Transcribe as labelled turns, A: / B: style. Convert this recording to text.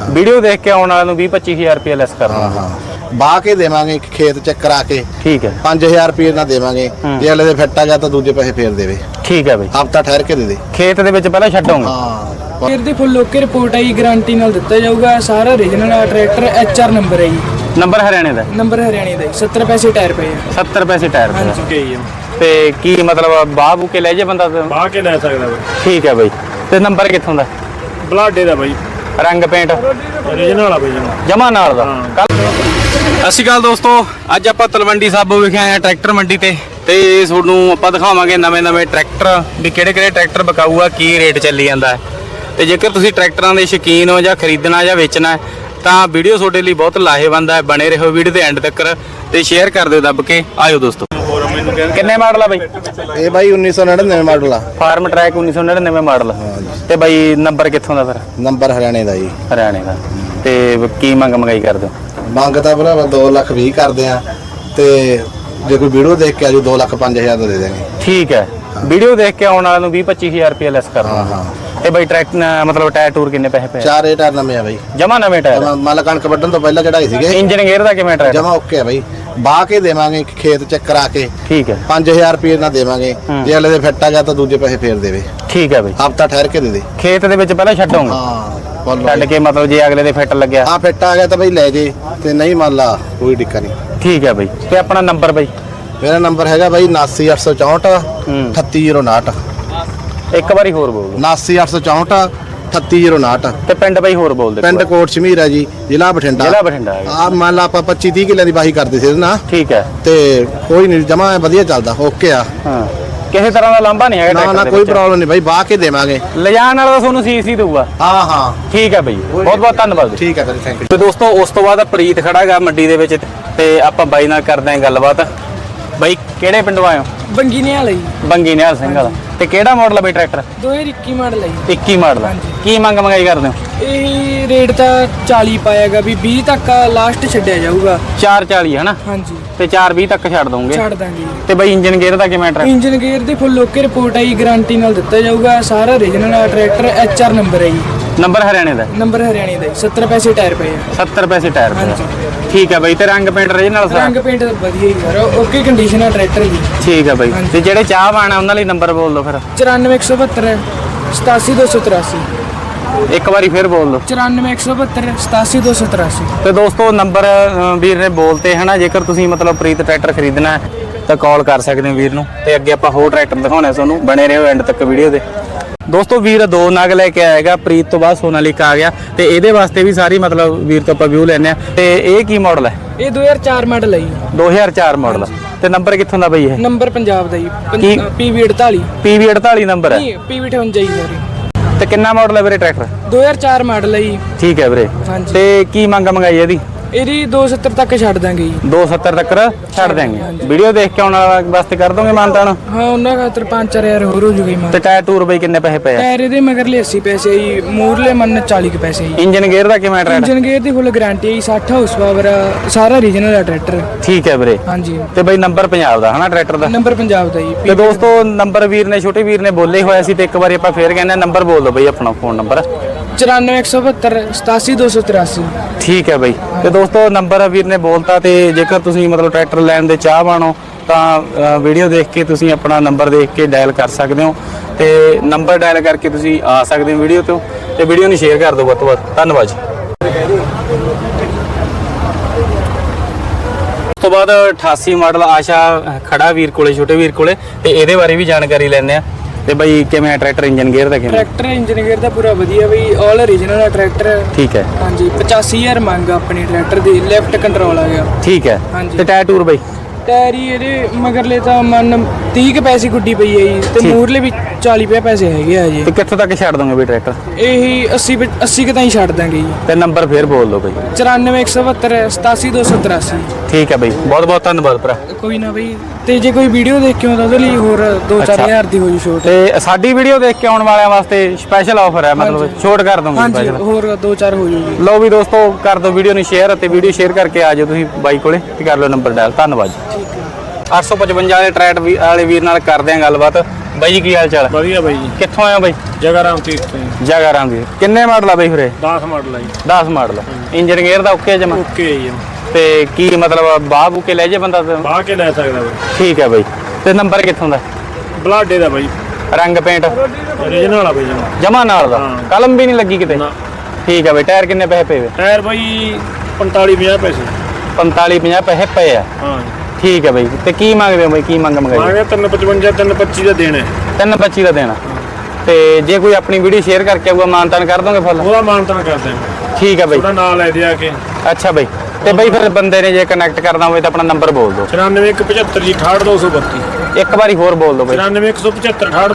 A: Video ਦੇਖ ਕੇ ਆਉਣ ਵਾਲੇ ਨੂੰ 20-25,000 ਰੁਪਏ ਲੈਸ ਕਰਨਾ।
B: ਹਾਂ ਬਾਹ ਕੇ ਦੇਵਾਂਗੇ ਖੇਤ ਚੈੱਕ ਕਰਾ ਕੇ।
A: ਠੀਕ ਹੈ
B: 5000 ਰੁਪਏ ਨਾਲ ਦੇਵਾਂਗੇ, ਜੇ ਅਗਲੇ ਦੇ ਫਿੱਟ ਆ ਗਿਆ ਤਾਂ ਦੂਜੇ ਪੈਸੇ ਫੇਰ ਦੇਵੇ।
A: ਠੀਕ ਹੈ ਬਈ,
B: ਹਫਤਾ ਠਹਿਰ ਕੇ ਦੇ ਦੇ।
A: ਖੇਤ ਦੇ ਵਿੱਚ ਪਹਿਲਾਂ ਛੱਡੋਗੇ?
B: ਹਾਂ
C: ਫਿਰ ਦੀ ਫੁੱਲ ਓਕੇ ਰਿਪੋਰਟ ਆਈ, ਗਾਰੰਟੀ ਨਾਲ ਦਿੱਤਾ ਜਾਊਗਾ। ਸਾਰਾ ਓਰੀਜਨਲ ਆ ਟਰੈਕਟਰ, HR ਨੰਬਰ ਹੈ ਜੀ।
A: ਨੰਬਰ ਹਰਿਆਣੇ ਦਾ?
C: ਨੰਬਰ ਹਰਿਆਣੇ ਦਾ 70 ਪੈਸੇ ਟਾਇਰ ਪਏ ਆ।
A: 70 ਪੈਸੇ ਟਾਇਰ ਪਏ
C: ਹਾਂਜੀ।
A: ਤੇ ਕੀ ਮਤਲਬ ਬਾਹ ਬੂ ਕੇ ਲੈ ਜੇ ਬੰਦਾ?
D: ਬਾਹ ਕੇ ਲੈ ਸਕਦਾ ਬਈ।
A: ਠੀਕ ਹੈ ਬਈ। ਤੇ ਨੰਬਰ ਕਿੱਥੋਂ ਦਾ?
D: ਬਲਾਡੇ ਦਾ ਬਈ,
A: ਰੰਗ ਪੇਂਟ
D: ਓਰੀਜਨਲ ਆ ਬਈ
A: ਜਮਾ ਨਾਲ ਦਾ। ਸਤਿ ਸ਼੍ਰੀ ਅਕਾਲ ਦੋਸਤੋ, ਅੱਜ ਆਪਾਂ ਤਲਵੰਡੀ ਸਾਬੋ ਵਿਖੇ ਆਏ ਆ ਟਰੈਕਟਰ ਮੰਡੀ ਤੇ ਤੁਹਾਨੂੰ ਆਪਾਂ ਦਿਖਾਵਾਂਗੇ ਨਵੇਂ ਟਰੈਕਟਰ ਵੀ ਕਿਹੜੇ ਟਰੈਕਟਰ ਵਿਕਾਊ ਆ, ਕੀ ਰੇਟ ਚੱਲੀ ਜਾਂਦਾ ਹੈ। ਤੇ ਜੇਕਰ ਤੁਸੀਂ ਟਰੈਕਟਰਾਂ ਦੇ ਸ਼ੌਕੀਨ ਹੋ ਜਾਂ ਖਰੀਦਣਾ ਜਾਂ ਵੇਚਣਾ ਹੈ ਤਾਂ ਵੀਡੀਓ ਤੁਹਾਡੇ ਲਈ ਬਹੁਤ ਲਾਹੇਵੰਦ ਹੈ। ਬਣੇ ਰਹੋ ਵੀਡੀਓ ਦੇ ਐਂਡ ਤੱਕ ਤੇ ਸ਼ੇਅਰ ਕਰ ਦਿਓ ਦੱਬ ਕੇ। ਆਇਓ ਦੋਸਤੋ। ਕਿੰਨੇ ਮਾਡਲ ਆ ਬਈ
B: ਇਹ ਬਾਈ 1999 ਮਾਡਲ ਆ।
A: Farmtrac 1999 model. ਤੇ ਬਈ ਨੰਬਰ ਕਿੱਥੋਂ ਦਾ ਫਿਰ?
B: ਨੰਬਰ ਹਰਿਆਣੇ ਦਾ ਜੀ।
A: ਹਰਿਆਣੇ ਦਾ। ਤੇ ਕੀ ਮੰਗਾਈ ਕਰਦੇ ਹੋ?
B: ਮੰਗ ਤਾਂ ਭਰਾਵਾ 2,20,000 ਕਰਦੇ ਆ, ਤੇ ਜੇ ਕੋਈ ਵੀਡੀਓ ਦੇਖ ਕੇ ਆਜੂ 2,05,000 ਦਾ ਦੇ ਦੇਵਾਂਗੇ।
A: ਠੀਕ ਹੈ, ਵੀਡੀਓ ਦੇਖ ਕੇ ਆਉਣ ਵਾਲੇ ਨੂੰ 20-25,000 ਰੁਪਏ ਲੈਸ ਕਰਨਾ।
B: ਹਾਂ
A: ਤੇ ਬਈ ਟਰੈਕ ਮਤਲਬ ਟਾਇਰ ਟੂਰ ਕਿੰਨੇ ਪੈਸੇ ਪਏ?
B: 4 ਟਾਇਰ ਨਵੇਂ ਆ ਬਾਈ,
A: ਜਮਾ ਨਵੇਂ ਟਾਇਰ।
B: ਮੱਲ ਕਣਕ ਵੱਢਣ ਤੋਂ ਪਹਿਲਾਂ ਚੜਾਈ ਸੀਗੇ।
A: ਇੰਜਨ ਗੇਅਰ ਦਾ ਕਿਵੇਂ ਟਰੈਕ?
B: ਜਮਾ ਓਕੇ ਆ ਬਾਈ, ਬਾਹ ਕੇ ਦੇਵਾਂਗੇ ਖੇਤ ਚੈੱਕ ਕਰਾ ਕੇ।
A: ਠੀਕ ਹੈ
B: 5000 ਰੁਪਏ ਨਾਲ ਦੇਵਾਂਗੇ, ਜੇ ਅਗਲੇ ਦੇ ਫਿੱਟ ਆ ਗਿਆ ਤਾਂ ਦੂਜੇ ਪੈਸੇ ਫੇਰ ਦੇਵੇ।
A: ਠੀਕ ਹੈ ਬਈ,
B: ਹਫਤਾ ਠਹਿਰ ਕੇ ਦੇ ਦੇ।
A: ਖੇਤ ਦੇ ਵਿੱਚ ਪਹਿਲਾਂ ਛੱਡੋਗੇ?
B: ਹਾਂ
A: ਛੱਡ ਕੇ ਮਤਲਬ ਜੇ ਅਗਲੇ ਦੇ ਫਿੱਟ ਲੱਗਿਆ?
B: ਹਾਂ ਫਿੱਟ ਆ ਗਿਆ ਤਾਂ ਬਾਈ ਲੈ ਜੇ, ਤੇ ਨਹੀਂ ਮੰਨ ਲਾ ਕੋਈ ਦਿੱਕਤ ਨਹੀਂ।
A: ਠੀਕ ਹੈ ਬਈ। ਤੇ ਆਪਣਾ ਨੰਬਰ ਬਈ?
B: ਮੇਰਾ ਨੰਬਰ ਹੈਗਾ ਬਾਈ 79,864 3809।
A: ਇੱਕ ਵਾਰੀ ਹੋਰ ਬੋਲ ਦਿਓ।
B: 79,864 3809।
A: ਤੇ ਪਿੰਡ ਬਈ ਹੋਰ ਬੋਲ ਦੇ।
B: ਪਿੰਡ ਕੋਟ ਸ਼ਮੀਰ ਹੈ ਜੀ, ਜ਼ਿਲ੍ਹਾ ਬਠਿੰਡਾ।
A: ਜ਼ਿਲ੍ਹਾ ਬਠਿੰਡਾ ਹੈਗਾ।
B: ਆ ਮੰਨ ਲਾ ਆਪਾਂ 25-30 ਕਿੱਲਿਆਂ ਦੀ ਵਾਹੀ ਕਰਦੇ ਸੀ ਇਹਦੇ ਨਾਲ।
A: ਠੀਕ ਹੈ।
B: ਤੇ ਕੋਈ ਨਹੀਂ, ਜਮਾ ਵਧੀਆ ਚੱਲਦਾ, ਓਕੇ ਆ।
A: ਹਾਂ, ਕਿਸੇ ਤਰ੍ਹਾਂ ਦਾ ਲਾਂਭਾ ਨਹੀਂ ਹੈਗਾ
B: ਨਾ
A: ਟਰੈਕਟਰ ਦੇ
B: ਕੋਈ
A: ਵਿੱਚ?
B: ਪ੍ਰੋਬਲਮ ਨਹੀਂ ਬਾਈ, ਬਾਹ ਕੇ ਦੇਵਾਂਗੇ।
A: ਲਿਜਾਣ ਵਾਲਾ ਤੁਹਾਨੂੰ ਸੀਸੀ ਦਊਗਾ?
B: ਹਾਂ
A: ਠੀਕ ਹੈ ਬਈ, ਬਹੁਤ ਬਹੁਤ ਧੰਨਵਾਦ।
B: ਠੀਕ ਹੈ ਬਾਈ, ਥੈਂਕ ਯੂ।
A: ਤੇ ਦੋਸਤੋ ਉਸ ਤੋਂ ਬਾਅਦ ਪ੍ਰੀਤ ਖੜਾ ਹੈਗਾ ਮੰਡੀ ਦੇ ਵਿੱਚ ਤੇ ਆਪਾਂ ਬਾਈ ਨਾਲ ਕਰਦੇ ਆਂ ਗੱਲਬਾਤ। ਬਾਈ ਕਿਹੜੇ ਪਿੰਡੋਂ ਆਏ ਹੋ?
C: ਬੰਗੀ ਨੇ ਵਾਲਾ ਜੀ।
A: ਬੰਗੀ ਨਿਹਾਲ ਸਿੰਘ ਵਾਲਾ। ਤੇ ਕਿਹੜਾ ਮਾਡਲ ਆ ਬਈ ਟਰੈਕਟਰ?
C: 2021 ਮਾਡਲ ਹੈ ਜੀ।
A: 21 ਮਾਡਲ। ਕੀ ਮੰਗਾਈ ਕਰਦੇ ਹੋ?
C: ਇਹ ਰੇਟ ਤਾਂ 40 ਪਾਏਗਾ ਵੀ 20 ਤੱਕ ਲਾਸਟ ਛੱਡਿਆ ਜਾਊਗਾ।
A: 440 ਹੈ ਨਾ?
C: ਹਾਂਜੀ।
A: ਤੇ 420 ਤੱਕ ਛੱਡ ਦੋਗੇ?
C: ਛੱਡ ਦਾਂਗੇ।
A: ਤੇ ਬਈ ਇੰਜਨ ਗੇਅਰ ਦਾ ਕਿਵੇਂ ਟਰੈਕਟਰ?
C: ਇੰਜਨ ਗੇਅਰ ਦੀ ਫੁੱਲ ਓਕੇ ਰਿਪੋਰਟ ਆਈ, ਗਾਰੰਟੀ ਨਾਲ ਦਿੱਤਾ ਜਾਊਗਾ। ਸਾਰਾ ਓਰੀਜਨਲ ਆ ਟਰੈਕਟਰ, HR ਨੰਬਰ ਹੈ ਜੀ।
A: ਨੰਬਰ ਹਰਿਆਣੇ ਦਾ?
C: ਨੰਬਰ ਹਰਿਆਣੇ ਦਾ 70 ਪੈਸੇ ਟਾਇਰ ਪਏ ਆ।
A: 70 ਪੈਸੇ ਟਾਇਰ ਪਏ।
C: ਹਾਂਜੀ।
A: ਠੀਕ ਹੈ ਬਈ। ਤੇ ਰੰਗ ਪੇਂਟ ਰੀਜਨਲ ਸਾਰਾ?
C: ਰੰਗ ਪੇਂਟ ਵਧੀਆ ਹੀ ਯਾਰ, ਓਕੇ ਕੰਡੀਸ਼ਨ ਆ ਟਰੈਕਟਰ ਦੀ।
A: ਠੀਕ ਹੈ ਬਈ। ਤੇ ਜਿਹੜੇ ਚਾਹ ਪਾਣਾ ਉਹਨਾਂ ਲਈ ਨੰਬਰ ਬੋਲ ਦਿਓ ਫਿਰ।
C: 94,172 87,283।
A: ਇੱਕ ਵਾਰੀ ਫਿਰ ਬੋਲ ਦਿਓ।
C: 94,172 87,283।
A: ਤੇ ਦੋਸਤੋ ਨੰਬਰ ਵੀਰ ਨੇ ਬੋਲਤੇ ਹਨਾ। ਜੇਕਰ ਤੁਸੀਂ ਮਤਲਬ ਪ੍ਰੀਤ ਟਰੈਕਟਰ ਖਰੀਦਣਾ ਹੈ ਤਾਂ ਕਾਲ ਕਰ ਸਕਦੇ ਹੋ ਵੀਰ ਨੂੰ। ਤੇ ਅੱਗੇ ਆਪਾਂ ਹੋਰ ਟਰੈਕਟਰ ਦਿਖਾਉਣੇ ਤੁਹਾਨੂੰ, ਬਣੇ ਰਹੋ ਐਂਡ ਤੱਕ ਵੀਡੀਓ ਦੇ। ਦੋਸਤੋ ਵੀਰ 2 ਨਗ ਲੈ ਕੇ ਆਏਗਾ, ਪ੍ਰੀਤ ਤੋਂ ਬਾਅਦ ਸੋਨਾਲੀਕਾ ਆ ਗਿਆ ਤੇ ਇਹਦੇ ਵਾਸਤੇ ਵੀ ਸਾਰੀ ਮਤਲਬ ਵੀਰ ਤੋਂ ਆਪਾਂ ਵਿਊ ਲੈਣੇ ਆ। ਤੇ ਇਹ ਕੀ ਮਾਡਲ ਹੈ?
C: ਇਹ 2004 ਮਾਡਲ ਹੈ ਜੀ।
A: 2004 ਮਾਡਲ। ਤੇ ਨੰਬਰ ਕਿੱਥੋਂ ਦਾ ਬਈ ਇਹ?
C: ਨੰਬਰ ਪੰਜਾਬ ਦਾ ਜੀ।
A: ਕੀ?
C: PV48।
A: PV48 ਨੰਬਰ ਹੈ?
C: ਨਹੀਂ, PV58 ਜੀ ਸੌਰੀ।
A: ਤੇ ਕਿੰਨਾ ਮਾਡਲ ਹੈ ਵੀਰੇ ਟਰੈਕਟਰ?
C: 2004 ਮਾਡਲ ਹੈ ਜੀ।
A: ਠੀਕ ਹੈ ਵੀਰੇ।
C: ਹਾਂਜੀ।
A: ਤੇ ਕੀ ਮੰਗਾਈ ਇਹਦੀ?
C: ਇਹਦੀ 270 ਤੱਕ ਛੱਡ ਦਾਂਗੇ ਜੀ।
A: 270 ਤੱਕ ਛੱਡ ਦਿਆਂਗੇ। ਵੀਡੀਓ ਦੇਖ ਕੇ ਆਉਣ ਵਾਸਤੇ ਕਰ ਦੋਗੇ ਮਾਨਤਾਨ?
C: ਹਾਂ, ਉਹਨਾਂ ਖਾਤਰ 5-4 ਹੋਰ ਹੋ ਜੂਗੀ ਮਾਨ।
A: ਤੇ ਟਾਇਰ ਟੂਰ ਬਈ ਕਿੰਨੇ ਪੈਸੇ ਪਏ ਆ?
C: ਟਾਇਰ ਇਹਦੇ ਮਗਰਲੇ 80 ਪੈਸੇ ਜੀ, ਮੂਰਲੇ ਮੰਨ 40 ਕੁ ਪੈਸੇ ਜੀ।
A: ਇੰਜਨ ਗੇਅਰ ਦਾ ਕਿਵੇਂ ਟਰੈਕਟਰ?
C: ਇੰਜਨ ਗੇਅਰ ਦੀ ਫੁੱਲ ਗਾਰੰਟੀ ਹੈ, 60 ਹਾਊਸ ਪਾਵਰ, ਸਾਰਾ ਰੀਜਨਲ ਆ ਟਰੈਕਟਰ।
A: ਠੀਕ ਹੈ ਵੀਰੇ।
C: ਹਾਂਜੀ।
A: ਤੇ ਬਈ ਨੰਬਰ ਪੰਜਾਬ ਦਾ ਹਨਾ ਟਰੈਕਟਰ ਦਾ?
C: ਨੰਬਰ ਪੰਜਾਬ ਦਾ ਜੀ।
A: ਤੇ ਦੋਸਤੋ ਨੰਬਰ ਵੀਰ ਨੇ ਛੋਟੇ ਵੀਰ ਨੇ ਬੋਲੇ ਹੋਇਆ ਸੀ ਤੇ ਇੱਕ ਵਾਰੀ ਆਪਾਂ ਫੇਰ ਕਹਿੰਦੇ ਨੰਬਰ ਬੋਲ ਦਿਓ ਬਈ ਆਪਣਾ ਫੋਨ ਨੰਬਰ।
C: 94,172 87,283।
A: ਠੀਕ ਹੈ ਬਈ। ਤੇ ਦੋਸਤੋ ਨੰਬਰ ਵੀਰ ਨੇ ਬੋਲਤਾ। ਤੇ ਜੇਕਰ ਤੁਸੀਂ ਮਤਲਬ ਟਰੈਕਟਰ ਲੈਣ ਦੇ ਚਾਹਵਾਨ ਹੋ ਤਾਂ ਵੀਡੀਓ ਦੇਖ ਕੇ ਤੁਸੀਂ ਆਪਣਾ ਨੰਬਰ ਦੇਖ ਕੇ ਡਾਇਲ ਕਰ ਸਕਦੇ ਹੋ ਤੇ ਨੰਬਰ ਡਾਇਲ ਕਰਕੇ ਤੁਸੀਂ ਆ ਸਕਦੇ ਹੋ ਵੀਡੀਓ ਤੋਂ। ਤੇ ਵੀਡੀਓ ਨੂੰ ਸ਼ੇਅਰ ਕਰ ਦਿਓ ਵੱਧ ਤੋਂ ਵੱਧ। ਧੰਨਵਾਦ ਜੀ। ਉਸ ਤੋਂ ਬਾਅਦ 88 ਮਾਡਲ ਆਸ਼ਾ ਖੜਾ ਵੀਰ ਕੋਲੇ, ਛੋਟੇ ਵੀਰ ਕੋਲੇ, ਤੇ ਇਹਦੇ ਬਾਰੇ ਵੀ ਜਾਣਕਾਰੀ ਲੈਂਦੇ ਆ। ਤੇ ਬਈ ਕਿਵੇਂ ਟਰੈਕਟਰ ਇੰਜਨ ਗੇਅਰ ਦਾ ਕਿਵੇਂ?
C: ਟਰੈਕਟਰ ਇੰਜਨ ਗੇਅਰ ਦਾ ਪੂਰਾ ਵਧੀਆ ਬਈ, ਆਲ ਓਰੀਜਨਲ ਆ ਟਰੈਕਟਰ।
A: ਠੀਕ ਹੈ।
C: ਹਾਂਜੀ। 85,000 ਮੰਗ ਆਪਣੀ ਟਰੈਕਟਰ ਦੀ, ਲੈਫਟ ਕੰਟਰੋਲ ਆ ਗਿਆ।
A: ਠੀਕ ਹੈ।
C: ਹਾਂਜੀ।
A: ਤੇ ਟਾਇਰ ਟੂਰ ਬਈ?
C: ਟਾਇਰ ਹੀ ਇਹਦੇ ਮਗਰਲੇ ਤਾਂ ਮੰਨ 30 ਕੁ ਪੈਸੇ ਗੁੱਡੀ ਪਈ ਹੈ ਜੀ, ਤੇ ਮੂਰਲੇ ਵੀ 40 ਪੈਸੇ ਹੈਗੇ ਆ ਜੀ।
A: ਤੇ ਕਿੱਥੋਂ ਤੱਕ ਛੱਡ ਦੋਗੇ ਬਈ ਟਰੈਕਟਰ?
C: ਇਹੀ 80 ਕੁ ਤਾਂ ਹੀ ਛੱਡ ਦਾਂਗੇ ਜੀ।
A: ਤੇ ਨੰਬਰ ਫੇਰ ਬੋਲ ਦਿਓ ਬਈ।
C: 94,172 87,283।
A: ਠੀਕ ਹੈ ਬਈ, ਬਹੁਤ ਬਹੁਤ ਧੰਨਵਾਦ ਭਰਾ।
C: ਕੋਈ ਨਾ ਬਈ, ਤੇ ਜੇ ਕੋਈ ਵੀਡੀਓ ਦੇਖ ਕੇ ਆਉਂਦਾ ਉਹਦੇ ਲਈ ਹੋਰ 2-4 ਹਜ਼ਾਰ ਦੀ ਹੋ ਜੂ ਛੋਟ।
A: ਤੇ ਸਾਡੀ ਵੀਡੀਓ ਦੇਖ ਕੇ ਆਉਣ ਵਾਲਿਆਂ ਵਾਸਤੇ ਸਪੈਸ਼ਲ ਆਫਰ ਹੈ, ਮਤਲਬ ਛੋਟ ਕਰ ਦੋਗੇ
C: ਹਾਂਜੀ,
A: ਸਪੈਸ਼ਲ।
C: ਹੋਰ 2-4 ਹੋ ਜੂ ਜੀ।
A: ਲਓ ਵੀ ਦੋਸਤੋ, ਕਰ ਦਿਓ ਵੀਡੀਓ ਨੂੰ ਸ਼ੇਅਰ ਅਤੇ ਵੀਡੀਓ ਸ਼ੇਅਰ ਕਰਕੇ ਆ ਜਾਓ ਤੁਸੀਂ ਬਾਈ ਕੋਲੇ ਤੇ ਕਰ ਲਓ ਨੰਬਰ ਡਾਇਲ। ਧੰਨਵਾਦ ਜੀ। 855 ਵਾਲੇ ਟਰੈਕਟਰ ਵਾਲੇ ਵੀਰ ਨਾਲ ਕਰਦੇ ਆਂ ਗੱਲਬਾਤ। ਬਾਈ ਜੀ ਕੀ ਹਾਲ ਚਾਲ?
D: ਵਧੀਆ ਬਾਈ ਜੀ।
A: ਕਿੱਥੋਂ ਆਏ ਹੋ ਬਾਈ?
D: ਜਗਾਰਾਮ ਤੀਰਥ ਤੋਂ ਜੀ।
A: ਜਗਾਰਾਮ ਦੀ। ਕਿੰਨੇ ਮਾਡਲ ਆ ਬਾਈ ਫਿਰੇ?
D: 10 ਮਾਡਲ ਆ ਜੀ।
A: 10 ਮਾਡਲ। ਇੰਜਨ ਗੇਅਰ ਦਾ ਓਕੇ ਜਮਾ?
D: ਓਕੇ ਜੀ।
A: ਤੇ ਕੀ ਮਤਲਬ ਬਾਹ ਬੂ ਕੇ ਲੈ ਜੇ ਬੰਦਾ ਤਾਂ?
D: ਬਾਹ ਕੇ ਲੈ ਸਕਦਾ ਬਾਈ।
A: ਠੀਕ ਹੈ ਬਾਈ। ਤੇ ਨੰਬਰ ਕਿੱਥੋਂ ਦਾ?
D: ਬਲਾਡੇ ਦਾ ਬਾਈ।
A: ਰੰਗ ਪੇਂਟ
D: ਓਰੀਜਨਲ ਆ ਬਾਈ ਜਮਾ।
A: ਜਮਾ ਨਾਲ ਦਾ?
D: ਹਾਂ।
A: ਕਲਮ ਵੀ ਨਹੀਂ ਲੱਗੀ ਕਿਤੇ?
D: ਨਾ।
A: ਠੀਕ ਹੈ ਬਾਈ। ਟਾਇਰ ਕਿੰਨੇ ਪੈਸੇ ਪਏ ਵੇ?
D: ਟਾਇਰ ਬਾਈ 45-50 ਪੈਸੇ।
A: 45-50 ਪੈਸੇ ਪਏ ਆ?
D: ਹਾਂ।
A: ਠੀਕ ਹੈ ਬਾਈ। ਤੇ ਕੀ ਮੰਗਦੇ ਹੋ ਬਾਈ? ਕੀ ਮੰਗਾਈ?
D: ਮੰਗਿਆ 355 325 ਦਾ ਦੇਣਾ ਹੈ।
A: 325 ਦਾ ਦੇਣਾ। ਤੇ ਜੇ ਕੋਈ ਆਪਣੀ ਵੀਡੀਓ ਸ਼ੇਅਰ ਕਰਕੇ ਆਊਗਾ ਮਾਨਤਾਨ ਕਰ ਦੋਗੇ ਫੁੱਲ?
D: ਉਹਦਾ ਮਾਨਤਾਨ ਕਰਦੇ ਆ।
A: ਠੀਕ ਹੈ ਬਾਈ।
D: ਉਹਦਾ ਨਾਂ ਲੈ ਦੇ ਆ ਕੇ।
A: ਅੱਛਾ ਬਾਈ। ਤੇ ਬਾਈ ਫਿਰ ਬੰਦੇ ਨੇ ਜੇ ਕਨੈਕਟ ਕਰਨਾ ਹੋਵੇ ਤਾਂ ਆਪਣਾ ਨੰਬਰ ਬੋਲ ਦਿਓ।
D: 94175 ਜੀ 68232।
A: ਇੱਕ ਵਾਰੀ ਹੋਰ ਬੋਲ ਦਿਓ ਬਾਈ।
D: 99175 68